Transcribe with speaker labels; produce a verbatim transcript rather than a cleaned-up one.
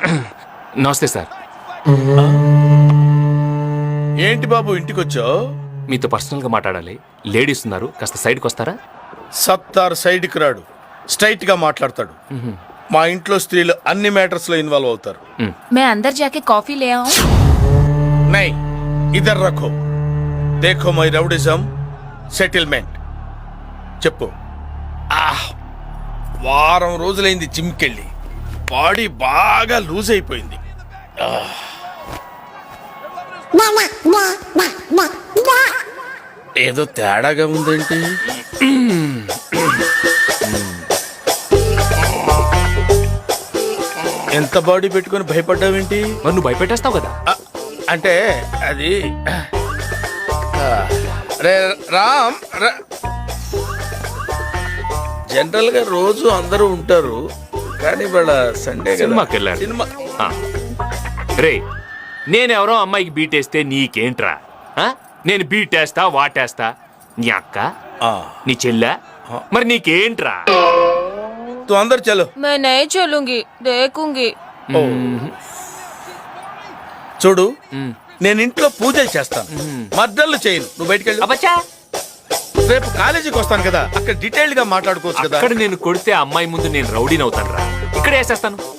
Speaker 1: నమస్తే సార్.
Speaker 2: ఏంటి బాబు ఇంటికొచ్చావు?
Speaker 1: మీతో పర్సనల్గా మాట్లాడాలి. లేడీస్ ఉన్నారు, కాస్త సైడ్కి వస్తారా?
Speaker 2: సత్తార్ సైడ్కి రాడు, స్ట్రైట్ గా మాట్లాడతాడు. మా ఇంట్లో స్త్రీలు అన్ని మ్యాటర్స్ లో ఇన్వాల్వ్ అవుతారు.
Speaker 3: मैं अंदर जाके कॉफी ले आऊं?
Speaker 2: నై ఇదర్ రఖో, దేఖో మై రౌడిజం సెటిల్మెంట్. చెప్పు. ఆహ్, వారం రోజులైంది జిమ్కెళ్ళి, బాడీ బాగా లూజ్ అయిపోయింది. ఆహ్. ఏదో తేడాగా ఉందేంటి? ఎంత బాడీ పెట్టుకొని భయపడ్డావేంటి?
Speaker 1: మరి నువ్వు భయపెట్టేస్తావు కదా.
Speaker 2: ఆ, అంటే అది ఆ, రే రామ్ రా- జనరల్ గా రోజు అందరూ ఉంటారు, కానీ వాళ్ళ సండే కదా.
Speaker 1: సినిమాకి వెళ్ళారు.
Speaker 2: సినిమా
Speaker 1: ఆ. రే, నేనెవరో అమ్మాయికి బీటేస్తే నీకేంట్రా? ఆ? నేను బీటేస్తా వాటేస్తా. నీ అక్క,
Speaker 2: ఆ,
Speaker 1: నీ చెల్లె, మరి నీకేంట్రా?
Speaker 2: తు అందరు చలో.
Speaker 3: मैं नहीं चलूंगी, देखूंगी.
Speaker 2: ఓ. చూడు, నేను ఇంట్లో పూజలు చేస్తాను, మర్డర్లు చేయను. నువ్వు బయటికి వెళ్ళు.
Speaker 1: అబ్బచ్చా,
Speaker 2: రేపు కాలేజీకి వస్తాను కదా, అక్కడ డీటెయిల్డ్ గా మాట్లాడుకోవచ్చు కదా.
Speaker 1: అక్కడ నేను కొడితే ఆ అమ్మాయి ముందు నేను రౌడీని అవుతాను రా. ఇక్కడ వేసేస్తాను.